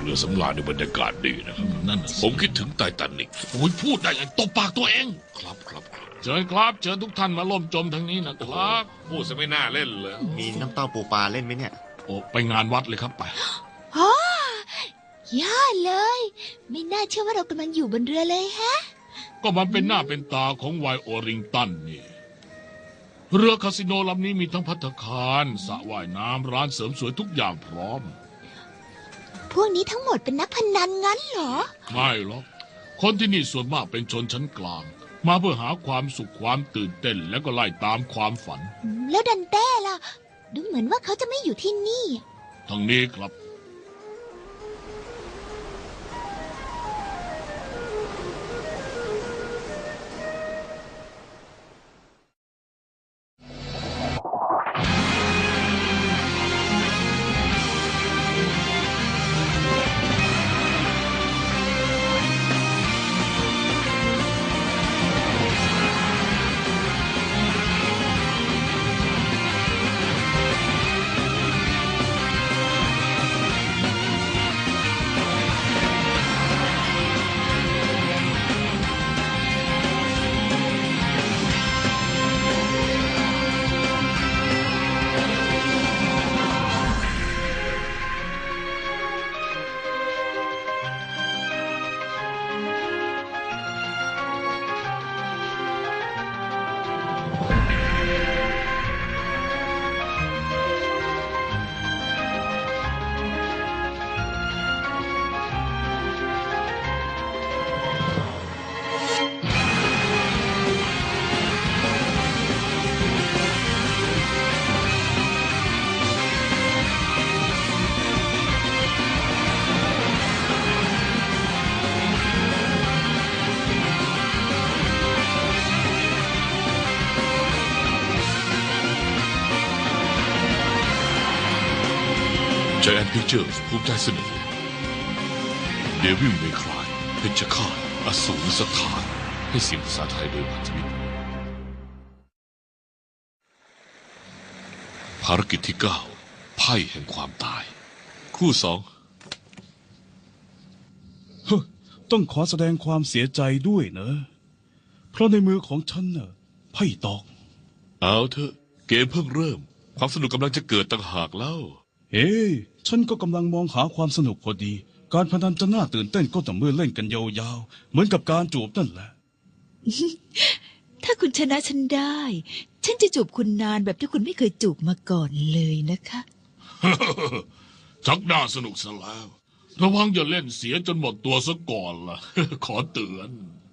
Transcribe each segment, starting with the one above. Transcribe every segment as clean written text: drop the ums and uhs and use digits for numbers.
เรือสำราญในบรรยากาศดีนะครับนั่นผมคิดถึงไททานิกโอ้ยพูดได้ไงตบปากตัวเองครับครับครับเชิญครับเชิญทุกท่านมาล่มจมทางนี้นะครับพูดซะไม่น่าเล่นเลยมีน้ำเต้าปูปลาเล่นไหมเนี่ยโอ้ไปงานวัดเลยครับไปฮ่ายอดเลย ไม่น่าเชื่อว่าเรากำลังอยู่บนเรือเลยฮะก็มันเป็นหน้าเป็นตาของไวโอริงตันนี่เรือคาสิโนลำนี้มีทั้งภัตตาคารสระว่ายน้ำร้านเสริมสวยทุกอย่างพร้อมพวกนี้ทั้งหมดเป็นนักพนันงั้นเหรอไม่หรอกคนที่นี่ส่วนมากเป็นชนชั้นกลาง มาเพื่อหาความสุขความตื่นเต้นแล้วก็ไล่ตามความฝันแล้วดันเต้ล่ะ ดูเหมือนว่าเขาจะไม่อยู่ที่นี่ทางนี้ครับ Giant Pictures ภูมิใจเสนอ Devil May Cry เพชฌฆาตอสูรสถานให้เสียงภาษาไทยโดยพันธมิตรภารกิจที่ 9 ไพ่แห่งความตาย คู่ต้องขอแสดงความเสียใจด้วยนะ เพราะในมือของฉันน่ะไพ่ตอก 2เอาเถอะเกมเพิ่งเริ่มความสนุกกำลังจะเกิดต่างหากเล่าเฮ้ยฉันก็กำลังมองหาความสนุกพอดี การพนันจะน่าตื่นเต้นก็ต่อเมื่อเล่นกันยาวๆ เหมือนกับการจูบนั่นแหละถ้าคุณชนะฉันได้ ฉันจะจูบคุณนานแบบที่คุณไม่เคยจูบมาก่อนเลยนะคะชักน่าสนุกซะแล้ว ระวังอย่าเล่นเสียจนหมดตัวซะก่อนล่ะ ขอเตือน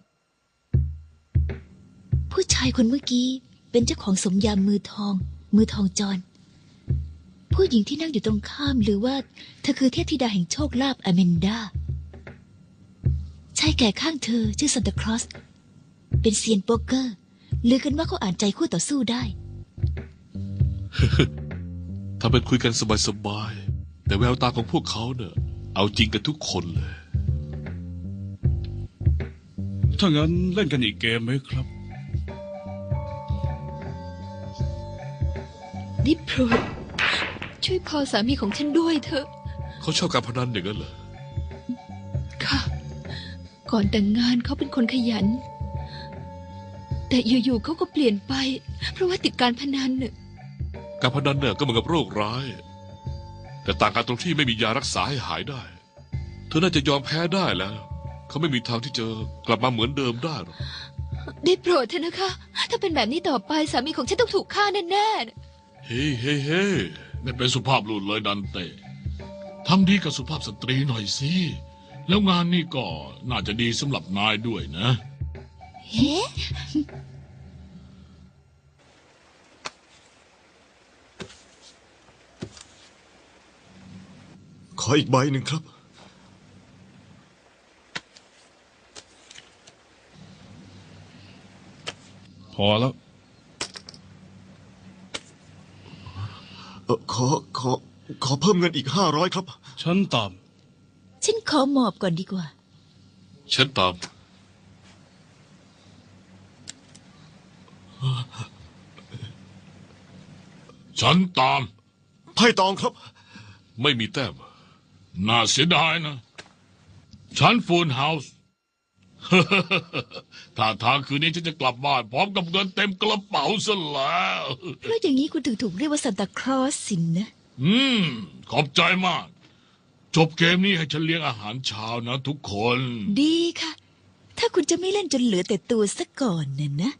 ผู้ชายคนเมื่อกี้เป็นเจ้าของสมยามมือทองจร ผู้หญิงที่นั่งอยู่ตรงข้ามหรือว่าเธอคือเทพธิดาแห่งโชคลาภอเมนดาชายแก่ข้างเธอชื่อซันตาคลอสเป็นเซียนโป๊กเกอร์ลือกันว่าเขาอ่านใจคู่ต่อสู้ได้ถ้าเป็นคุยกันสบายๆแต่แววตาของพวกเขาเนี่ยเอาจริงกันทุกคนเลยถ้างั้นเล่นกันอีกเกมไหมครับนี่โปรดช่วยพอสามีของฉันด้วยเถอะเขาชอบการพนันอย่างนั้นเหรอค่ะ ก่อนแต่งงานเขาเป็นคนขยัน แต่อยู่ๆเขาก็เปลี่ยนไป เพราะว่าติดการพนันน่ะการพนันเนี่ยก็เหมือนกับโรคร้าย แต่ต่างกันตรงที่ไม่มียารักษาให้หายได้ เธอน่าจะยอมแพ้ได้แล้ว เขาไม่มีทางที่จะกลับมาเหมือนเดิมได้หรอกได้โปรดเถอะนะคะ ถ้าเป็นแบบนี้ต่อไปสามีของฉันต้องถูกฆ่าแน่ๆเฮ้เฮ้เฮ้ไม่เป็นสุภาพบุรุษเลยดันเต้ทำดีกับสุภาพสตรีหน่อยสิ แล้วงานนี้ก็น่าจะดีสำหรับนายด้วยนะเฮ้ขออีกใบหนึ่งครับพอแล้วขอเพิ่มเงินอีก500ครับฉันตามฉันขอหมอบก่อนดีกว่าฉันตามฉันตามไพ่ตองครับไม่มีแต้มน่าเสียดายนะ ฉันฟูลเฮาส์ ถ้าทางคืนนี้ฉันจะกลับบ้านพร้อมกับเงินเต็มกระเป๋าซะแล้วเพราะอย่างนี้คุณถึงถูกเรียกว่าซานตาคลอสสินนะขอบใจมาก จบเกมนี้ให้ฉันเลี้ยงอาหารเช้านะทุกคนดีค่ะ ถ้าคุณจะไม่เล่นจนเหลือแต่ตัวซะก่อนน่ะนะ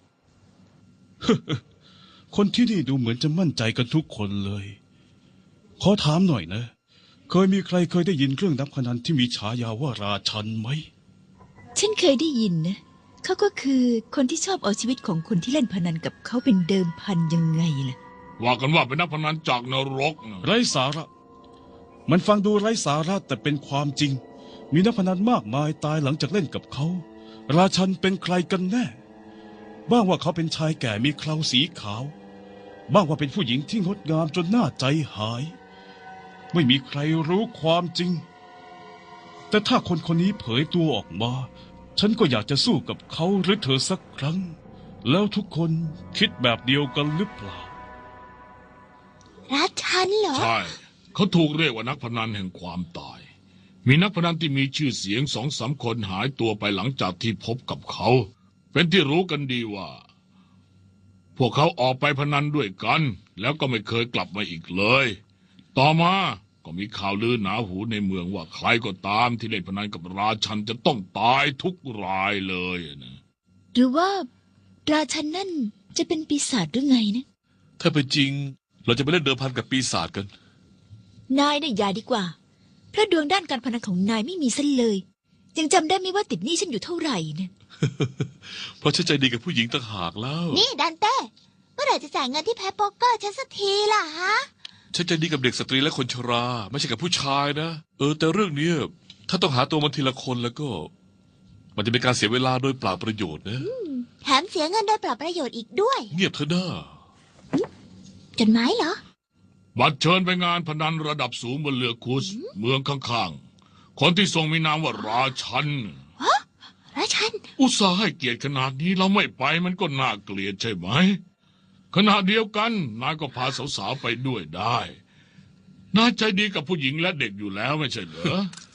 คนที่นี่ดูเหมือนจะมั่นใจกันทุกคนเลย ขอถามหน่อยนะ เคยมีใครเคยได้ยินเรื่องนักพนันที่มีฉายาว่าราชันไหมฉันเคยได้ยินนะเขาก็คือคนที่ชอบเอาชีวิตของคนที่เล่นพนันกับเขาเป็นเดิมพันยังไงล่ะว่ากันว่าเป็นนักพนันจากนรกนะไร้สาระ มันฟังดูไร้สาระแต่เป็นความจริง มีนักพนันมากมายตายหลังจากเล่นกับเขา ราชันเป็นใครกันแน่ บ้างว่าเขาเป็นชายแก่มีเคราสีขาว บ้างว่าเป็นผู้หญิงที่งดงามจนน่าใจหาย ไม่มีใครรู้ความจริง แต่ถ้าคนคนนี้เผยตัวออกมา ฉันก็อยากจะสู้กับเขาหรือเธอสักครั้ง แล้วทุกคนคิดแบบเดียวกันหรือเปล่าราชันเหรอใช่ เขาถูกเรียกว่านักพนันแห่งความตาย มีนักพนันที่มีชื่อเสียง2-3 คนหายตัวไปหลังจากที่พบกับเขา เป็นที่รู้กันดีว่า พวกเขาออกไปพนันด้วยกัน แล้วก็ไม่เคยกลับมาอีกเลย ต่อมาก็มีข่าวลือหนาหูในเมืองว่าใครก็ตามที่เล่นพนันกับราชันจะต้องตายทุกรายเลยนะหรือว่าราชันนั่นจะเป็นปีศาจหรือไงนะถ้าเป็นจริง เราจะไปเล่นเดิมพันกับปีศาจกันนายเนี่ยอย่าดีกว่า เพราะดวงด้านการพนันของนายไม่มีซะเลย ยังจำได้ไหมว่าติดหนี้ฉันอยู่เท่าไหร่นะเพราะฉันใจดีกับผู้หญิงต่างหากแล้วนี่ดันเต้เมื่อไหร่จะจ่ายเงินที่แพ้โป๊กเกอร์ฉันสักทีล่ะฮะฉันใจดีกับเด็กสตรีและคนชรา ไม่ใช่กับผู้ชายนะ แต่เรื่องเนี้ยถ้าต้องหาตัวมันทีละคนแล้วก็ มันจะเป็นการเสียเวลาโดยเปล่าประโยชน์นะแถมเสียเงินโดยเปล่าประโยชน์อีกด้วยเงียบเถอะน้าจดหมายเหรอบัตรเชิญไปงานพนันระดับสูงบนเรือคุสเมืองข้างๆ คนที่ทรงมีนามว่าราชันราชันอุตส่าห์ให้เกียรติขนาดนี้เราไม่ไปมันก็น่าเกลียดใช่ไหม ขณะเดียวกันนายก็พาสาวๆไปด้วยได้นายใจดีกับผู้หญิงและเด็กอยู่แล้วไม่ใช่เหรอ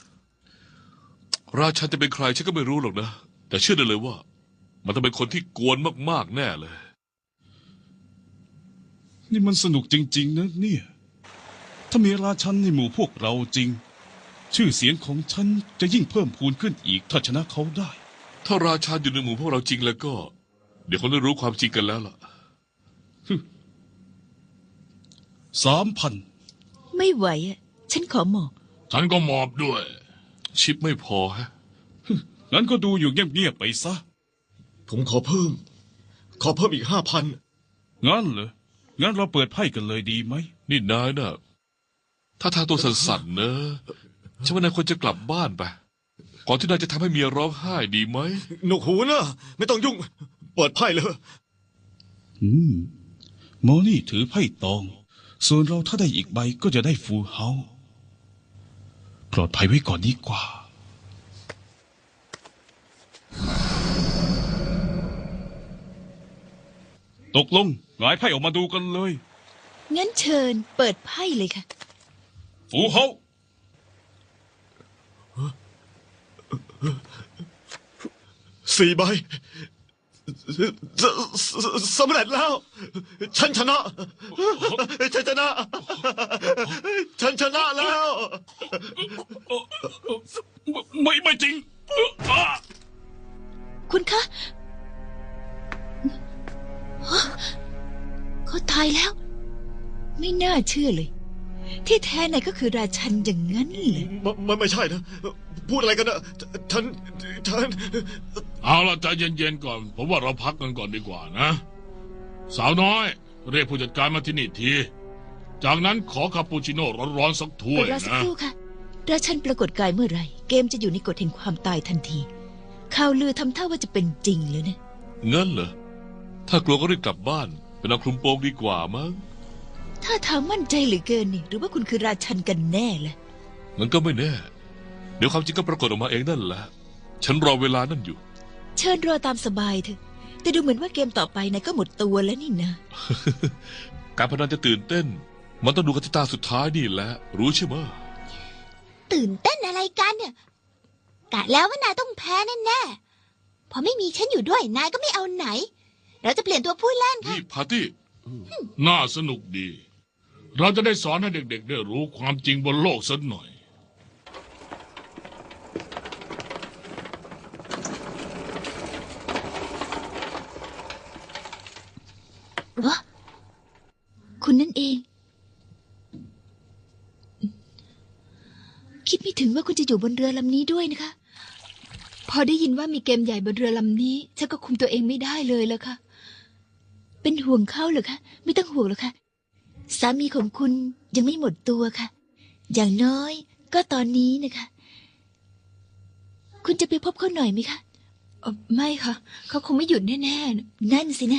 ราชันจะเป็นใครฉันก็ไม่รู้หรอกนะ แต่เชื่อได้เลยว่า มันต้องเป็นคนที่กวนมากๆแน่เลยนี่มันสนุกจริงๆนะเนี่ย ถ้ามีราชันในหมู่พวกเราจริง ชื่อเสียงของฉันจะยิ่งเพิ่มพูนขึ้นอีกถ้าชนะเขาได้ถ้าราชันอยู่ในหมู่พวกเราจริงแล้วก็ เดี๋ยวคงได้รู้ความจริงกันแล้วล่ะ 3,000 ไม่ไหวอ่ะ ฉันขอหมอบฉันก็มอบด้วยชิปไม่พอฮะงั้นก็ดูอยู่เงียบๆไปซะผมขอเพิ่มอีก5,000 งั้นเหรอ งั้นเราเปิดไพ่กันเลยดีไหมนี่นายน่ะ ถ้าทางตัวสั่นๆนะฉันว่านายควรจะกลับบ้านไป ก่อนที่นายจะทำให้เมียร้องไห้ดีไหมหนวกหูนะไม่ต้องยุ่ง เปิดไพ่เลยหมอนี่ถือไพ่ตอง ส่วนเราถ้าได้อีกใบก็จะได้ฟูลเฮาส์ปลอดภัยไว้ก่อนดีกว่า ตกลงหงายไพ่ออกมาดูกันเลยงั้นเชิญเปิดไพ่เลยค่ะฟูลเฮาส์ 4 ใบสำเร็จแล้ว ฉันชนะ ฉันชนะ ฉันชนะแล้วไม่จริงคุณคะฮะเขาตายแล้ว ไม่น่าเชื่อเลย ที่แท้นายก็คือราชันอย่างนั้นเลยไม่ใช่นะ พูดอะไรกันนะฉันเอาล่ะใจเย็นๆก่อน ผมว่าเราพักกันก่อนดีกว่านะ สาวน้อย เรียกผู้จัดการมาที่นี่ที จากนั้นขอคาปูชิโน่ร้อนๆสักถ้วเปิยดรอสักนะครู่ค่ะ ราชันปรากฏกายเมื่อไหร่ เกมจะอยู่ในกฎแห่งความตายทันที ข่าวลือทำท่าว่าจะเป็นจริงเลยนะงั้นเหรอ ถ้ากลัวก็รีบกลับบ้านไปนอนคลุมโปงดีกว่ามั้งถ้าทางมั่นใจเหลือเกินนี่ หรือว่าคุณคือราชันกันแน่ล่ะงั้นก็ไม่แน่ เดี๋ยวความจริงก็ปรากฏออกมาเองนั่นแหละ ฉันรอเวลานั่นอยู่เชิญรอตามสบายเถอะ แต่ดูเหมือนว่าเกมต่อไปนายก็หมดตัวแล้วนี่นะการพนันจะตื่นเต้น มันต้องดูกันที่ตาสุดท้ายนี่แหละ รู้ใช่ไหมตื่นเต้นอะไรกันเนี่ยกะแล้วว่านายต้องแพ้แน่ๆพอไม่มีฉันอยู่ด้วยนายก็ไม่เอาไหน เราจะเปลี่ยนตัวผู้เล่นค่ะนี่พาร์ตี้น่าสนุกดี เราจะได้สอนให้เด็กๆได้รู้ความจริงบนโลกสักหน่อยวะคุณนั่นเอง คิดไม่ถึงว่าคุณจะอยู่บนเรือลำนี้ด้วยนะคะพอได้ยินว่ามีเกมใหญ่บนเรือลำนี้ฉันก็คุมตัวเองไม่ได้เลยแล้วค่ะเป็นห่วงเขาเหรอคะ ไม่ต้องห่วงหรอกค่ะ สามีของคุณยังไม่หมดตัวค่ะ อย่างน้อยก็ตอนนี้นะคะ คุณจะไปพบเขาหน่อยไหมคะไม่ค่ะ เขาคงไม่หยุดแน่ๆนะนั่นสินะ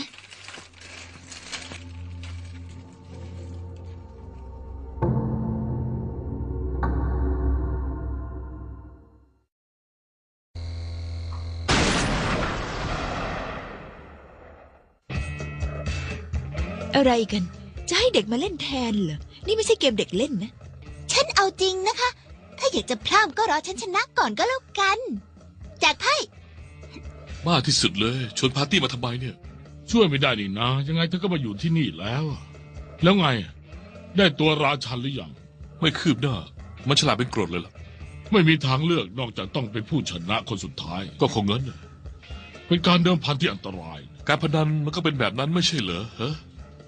อะไรกัน จะให้เด็กมาเล่นแทนเหรอ นี่ไม่ใช่เกมเด็กเล่นนะฉันเอาจริงนะคะ ถ้าอยากจะพร่ำก็รอฉันชนะก่อนก็แล้วกันจากไพ่บ้าที่สุดเลยชวนพาร์ตี้มาทำไมเนี่ยช่วยไม่ได้นี่นะ ยังไงเธอก็มาอยู่ที่นี่แล้ว แล้วไง ได้ตัวราชันหรือยังไม่คืบหน้า มันฉลาดเป็นกรดเลยล่ะไม่มีทางเลือกนอกจากต้องเป็นผู้ชนะคนสุดท้ายก็คงงั้นน่ะเป็นการเดิมพันที่อันตรายการพนันมันก็เป็นแบบนั้นไม่ใช่เหรอฮะ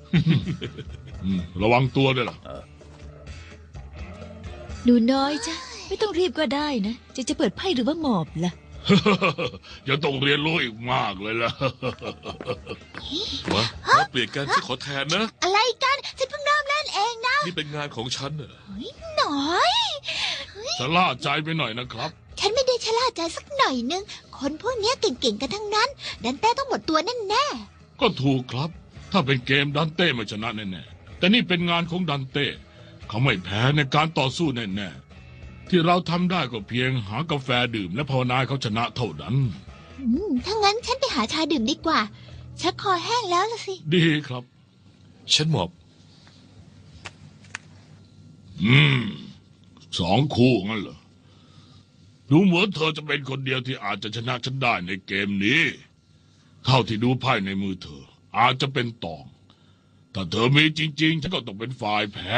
ระวังตัวด้วยล่ะหนูน้อยจ้ะไม่ต้องรีบก็ได้นะ จะเปิดไพ่หรือว่าหมอบล่ะยังต้องเรียนรู้อีกมากเลยล่ะมาเปลี่ยนกันฉันขอแทนนะอะไรกันฉันเพิ่งเริ่มเล่นเองนะนี่เป็นงานของฉันน่ะหน่อยจะล่าใจไปหน่อยนะครับฉันไม่ได้ชะล่าใจสักหน่อยนึง คนพวกเนี้ยเก่งๆกันทั้งนั้น ดันเต้ต้องหมดตัวแน่ก็ถูกครับ ถ้าเป็นเกมดันเต้ไม่ชนะแน่ๆแต่นี่เป็นงานของดันเต้เขาไม่แพ้ในการต่อสู้แน่ๆที่เราทำได้ก็เพียงหากาแฟดื่มและภาวนาให้เขาชนะเท่านั้นๆถ้างั้นฉันไปหาชาดื่มดีกว่า ชักคอแห้งแล้วล่ะสิดีครับฉันหมอบ 2 คู่งั้นเหรอ ดูเหมือนเธอจะเป็นคนเดียวที่อาจจะชนะฉันได้ในเกมนี้ เท่าที่ดูไพ่ในมือเธอ อาจจะเป็นตอง ถ้าเธอมีจริงๆฉันก็ต้องเป็นฝ่ายแพ้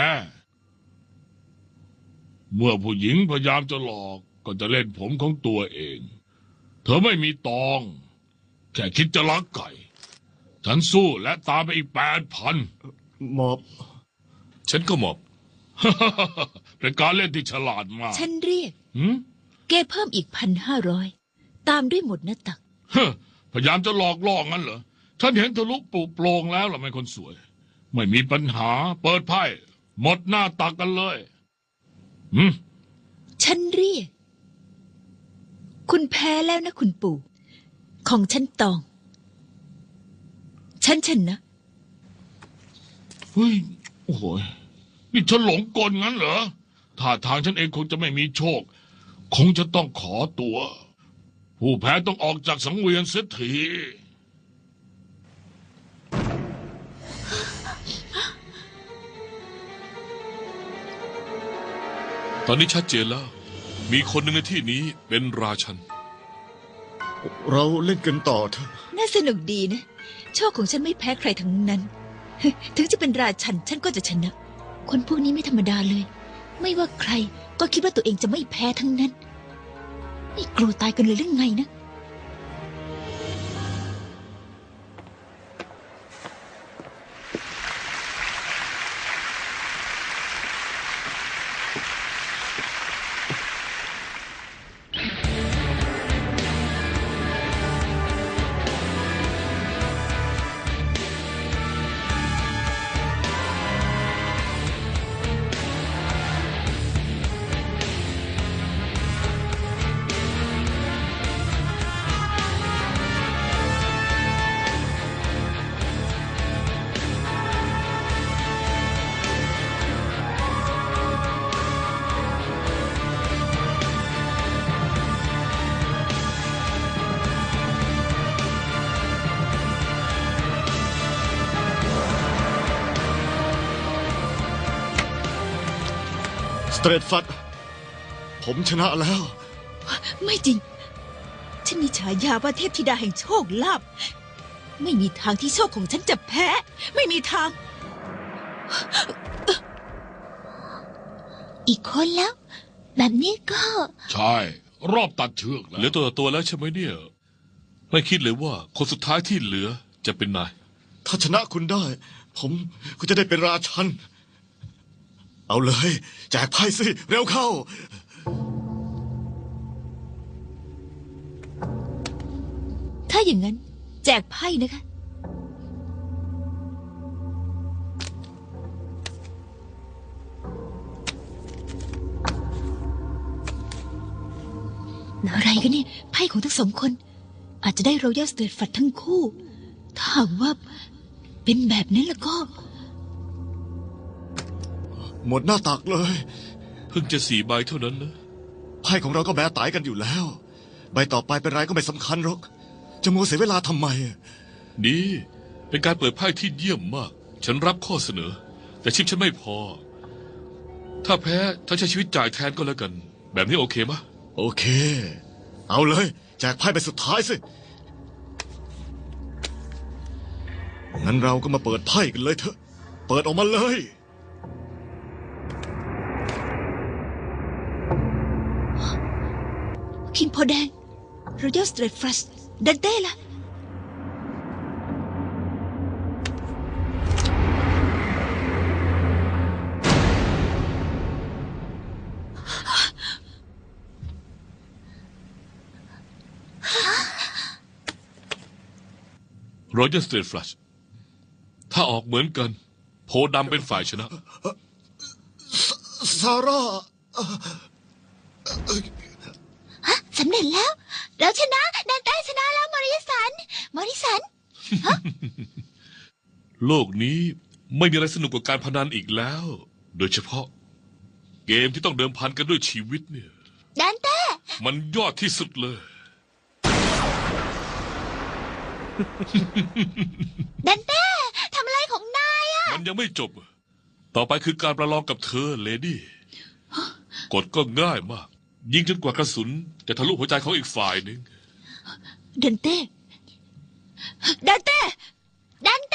เมื่อผู้หญิงพยายามจะหลอกก็จะเล่นผมของตัวเอง เธอไม่มีตอง แค่คิดจะลักไก่ ฉันสู้และตามไปอีก8,000 หมอบฉันก็หมอบเป็นการเล่นที่ฉลาดมากฉันเรียกหืมเกเพิ่มอีก1,500 ตามด้วยหมดหน้าตักเฮ้อพยายามจะหลอกล่องั้นเหรอ ฉันเห็นทะลุปลุโปร่งแล้วล่ะไม่คนสวย ไม่มีปัญหา เปิดไพ่หมดหน้าตักกันเลยหืมฉันเรียก คุณแพ้แล้วนะคุณปู่ ของฉันตอง ฉันชนะเฮ้ย โอ้โหยนี่ฉันหลงกลงั้นเหรอท่าทางฉันเองคงจะไม่มีโชค คงจะต้องขอตัว ผู้แพ้ต้องออกจากสังเวียนเสียทีตอนนี้ชัดเจนแล้ว มีคนหนึ่งในที่นี้เป็นราชันเราเล่นกันต่อเถอะน่าสนุกดีนะ โชคของฉันไม่แพ้ใครทั้งนั้น ถึงจะเป็นราชันฉันก็จะชนะ คนพวกนี้ไม่ธรรมดาเลย ไม่ว่าใครก็คิดว่าตัวเองจะไม่แพ้ทั้งนั้น ไม่กลัวตายกันเลยหรือไงนะสเตรทฟัดผมชนะแล้วไม่จริง ฉันมีฉายาว่าเทพธิดาแห่งโชคลาภไม่มีทางที่โชคของฉันจะแพ้ ไม่มีทางอีกคนแล้ว แบบนี้ก็ใช่ รอบตัดเชือกแล้เหลือวตัวต่อตัวแล้วใช่ไหมเนี่ย ไม่คิดเลยว่าคนสุดท้ายที่เหลือจะเป็นนายถ้าชนะคุณได้ ผมก็จะได้เป็นราชัน เอาเลย แจกไพ่สิ เร็วเข้าถ้าอย่างนั้น แจกไพ่นะคะ อะไรกันเนี่ย ไพ่ของทั้งสองคน อาจจะได้รอยัลสเตทฟัดทั้งคู่ ถ้าหากว่าเป็นแบบนั้นแล้วก็หมดหน้าตักเลยเพิ่งจะ4 ใบเท่านั้นนะไพ่ของเราก็แบตายกันอยู่แล้ว ใบต่อไปเป็นไรก็ไม่สำคัญหรอก จะมัวเสียเวลาทำไมดีเป็นการเปิดไพ่ที่เยี่ยมมาก ฉันรับข้อเสนอ แต่ชิปฉันไม่พอ ถ้าแพ้ถ้าใช้ชีวิตจ่ายแทนก็แล้วกัน แบบนี้โอเคมะโอเค เอาเลย แจกไพ่ใบสุดท้ายสิ งั้นเราก็มาเปิดไพ่กันเลยเถอะ เปิดออกมาเลยคิงโพแดงรอยัลสเตทฟัดดันเต้ล่ะรอยัลสเตทฟลัชถ้าออกเหมือนกัน โพดำเป็นฝ่ายชนะซาร่าฮะสำเร็จแล้ว เราชนะดันใต้ชนะแล้วมอริสันโลกนี้ไม่มีอะไรสนุกกว่าการพนันอีกแล้ว โดยเฉพาะ เกมที่ต้องเดิมพันกันด้วยชีวิตเนี่ยดันเต้มันยอดที่สุดเลยดันเต้ทำอะไรของนายอะมันยังไม่จบ ต่อไปคือการประลองกับเธอเลดี้กฎก็ง่ายมาก ยิงจนกว่ากระสุนจะทะลุหัวใจของอีกฝ่ายหนึ่งดันเต้ ดันเต้ดันเต้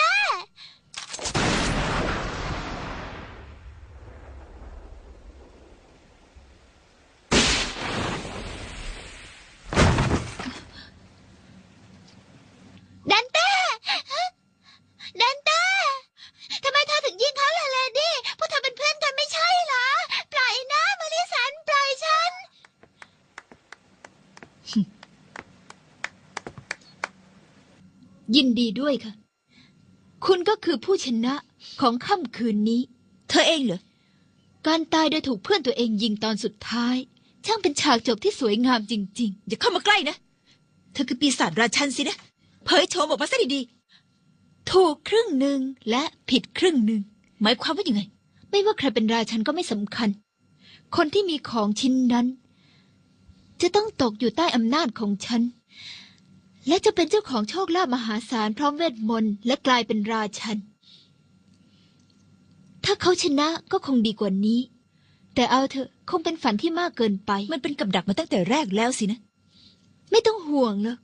ดันเต้ ดันเต้ ทำไมเธอถึงยิงเขาล่ะเลดี้พวกเธอเป็นเพื่อนกันไม่ใช่เหรอ ปล่อยนะมาริสัน ปล่อยฉันยินดีด้วยค่ะ คุณก็คือผู้ชนะของค่ำคืนนี้ เธอเองเหรอ การตายโดยถูกเพื่อนตัวเองยิงตอนสุดท้าย ช่างเป็นฉากจบที่สวยงามจริงๆ อย่าเข้ามาใกล้นะ เธอคือปีศาจราชันสินะ เผยโฉมออกมาซะดีๆ ถูกครึ่งหนึ่งและผิดครึ่งหนึ่ง หมายความว่ายังไง ไม่ว่าใครเป็นราชันก็ไม่สำคัญ คนที่มีของชิ้นนั้น จะต้องตกอยู่ใต้อำนาจของฉัน และจะเป็นเจ้าของโชคลาภมหาศาลพร้อมเวทมนต์และกลายเป็นราชัน ถ้าเขาชนะก็คงดีกว่านี้ แต่เอาเถอะคงเป็นฝันที่มากเกินไป มันเป็นกับดักมาตั้งแต่แรกแล้วสินะ ไม่ต้องห่วงหรอก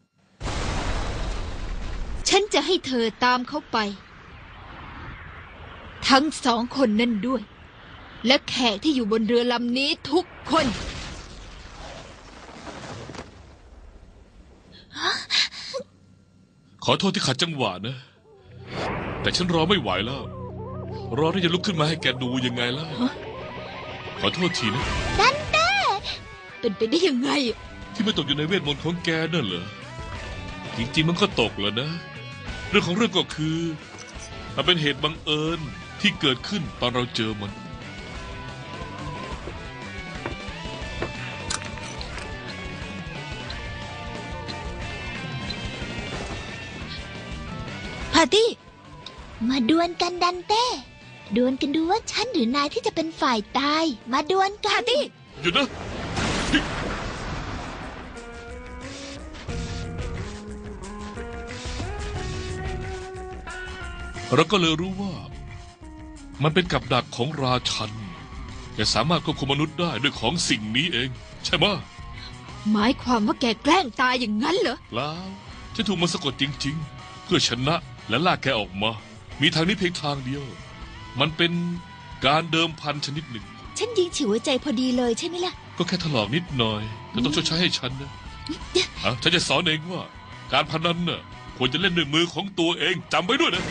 ฉันจะให้เธอตามเขาไป ทั้งสองคนนั่นด้วย และแขกที่อยู่บนเรือลำนี้ทุกคนขอโทษที่ขัดจังหวะนะ แต่ฉันรอไม่ไหวแล้ว รอที่จะลุกขึ้นมาให้แกดูยังไงล่ะ ขอโทษทีนะดันเต้เป็นไปได้ยังไงที่ไม่ตกอยู่ในเวทมนต์ของแกนั่นเหรอ จริงๆมันก็ตกแล้วนะ เรื่องของเรื่องก็คือมันเป็นเหตุบังเอิญที่เกิดขึ้นตอนเราเจอมันพาร์ตี้มาดวลกันดันเต้ ดวลกันดูว่าฉันหรือนายที่จะเป็นฝ่ายตาย มาดวลกันพาร์ตี้หยุดนะ เราก็เลยรู้ว่า มันเป็นกับดักของราชันแกสามารถควบคุมมนุษย์ได้ด้วยของสิ่งนี้เองใช่ไหมะหมายความว่าแกแกล้งตายอย่างนั้นเหรอแล้วฉันถูกมันสะกดจริง ๆ เพื่อชนะและลากแกออกมา มีทางนี้เพียงทางเดียว มันเป็นการเดิมพันชนิดหนึ่งฉันยิงฉิวหัวใจพอดีเลยใช่ไหมล่ะก็แค่ถลอกนิดหน่อย แต่ต้องชดใช้ให้ฉันนะฉันจะสอนเองว่า การพนันน่ะควรจะเล่นด้วยมือของตัวเองจำไว้ด้วยนะ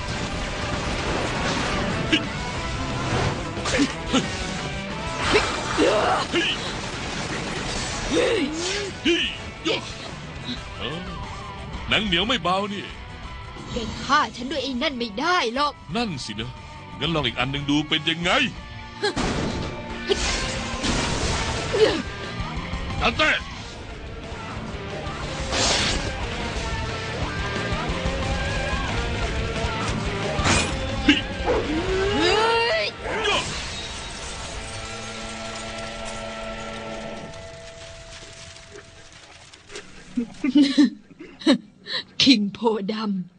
หนังเหนียวไม่เบานี่แกฆ่าฉันด้วยไอ้นั่นไม่ได้หรอกนั่นสินะ งั้นลองอีกอันหนึ่งดูเป็นยังไงดันเต้คิงโพด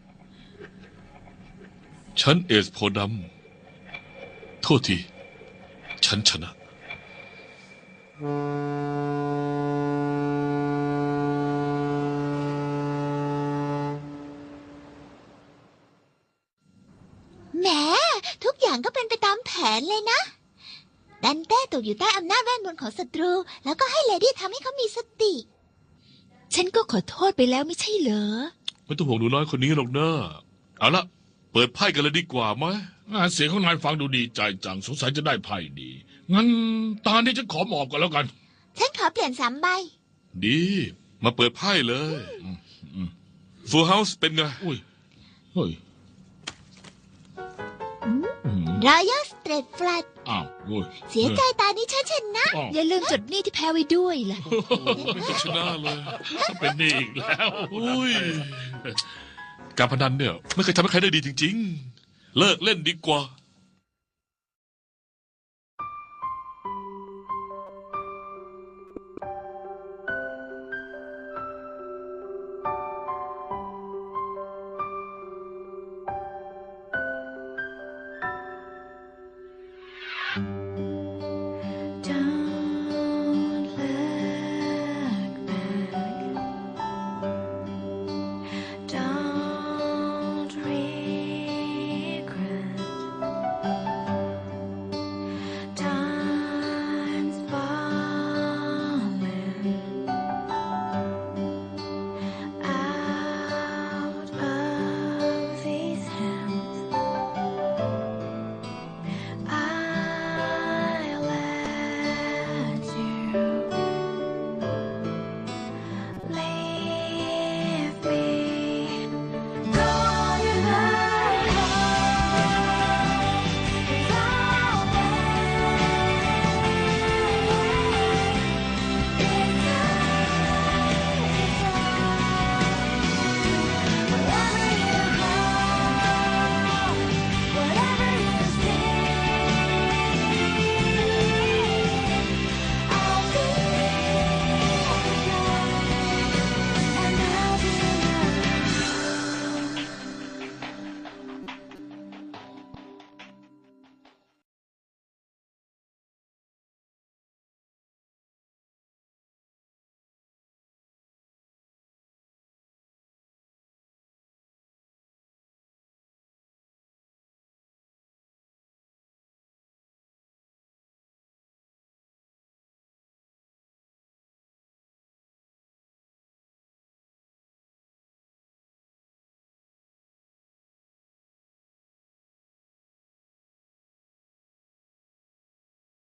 ฉันเอสโพดำโทษที ฉันชนะแหมทุกอย่างก็เป็นไปตามแผนเลยนะ ดันเต้ตกอยู่ใต้อำนาจเวทมนต์ของศัตรู แล้วก็ให้เลดี้ทำให้เขามีสติฉันก็ขอโทษไปแล้วไม่ใช่เหรอไม่ต้องห่วงหนูน้อยคนนี้หรอกนะเอาละเปิดไพ่กันเลยดีกว่าไหมเสียงของนายฟังดูดีใจจัง สงสัยจะได้ไพ่ดี งั้นตานี้ฉันขอหมอบก่อนแล้วกันฉันขอเปลี่ยน3 ใบดี มาเปิดไพ่เลยฟูลเฮาส์เป็นไงอุ้ย เฮ้ยรอยัลสเตรทแฟลตอ้าวอุ้ยเสียใจตานี้ฉันชนะอ้าวอย่าลืมจดหนี้ที่แพ้ไว้ด้วยล่ะไม่จะชนะเลยเป็นนี่อีกแล้วอุ้ย การพนันเนี่ย ไม่เคยทำให้ใครได้ดีจริง ๆ เลิกเล่นดีกว่า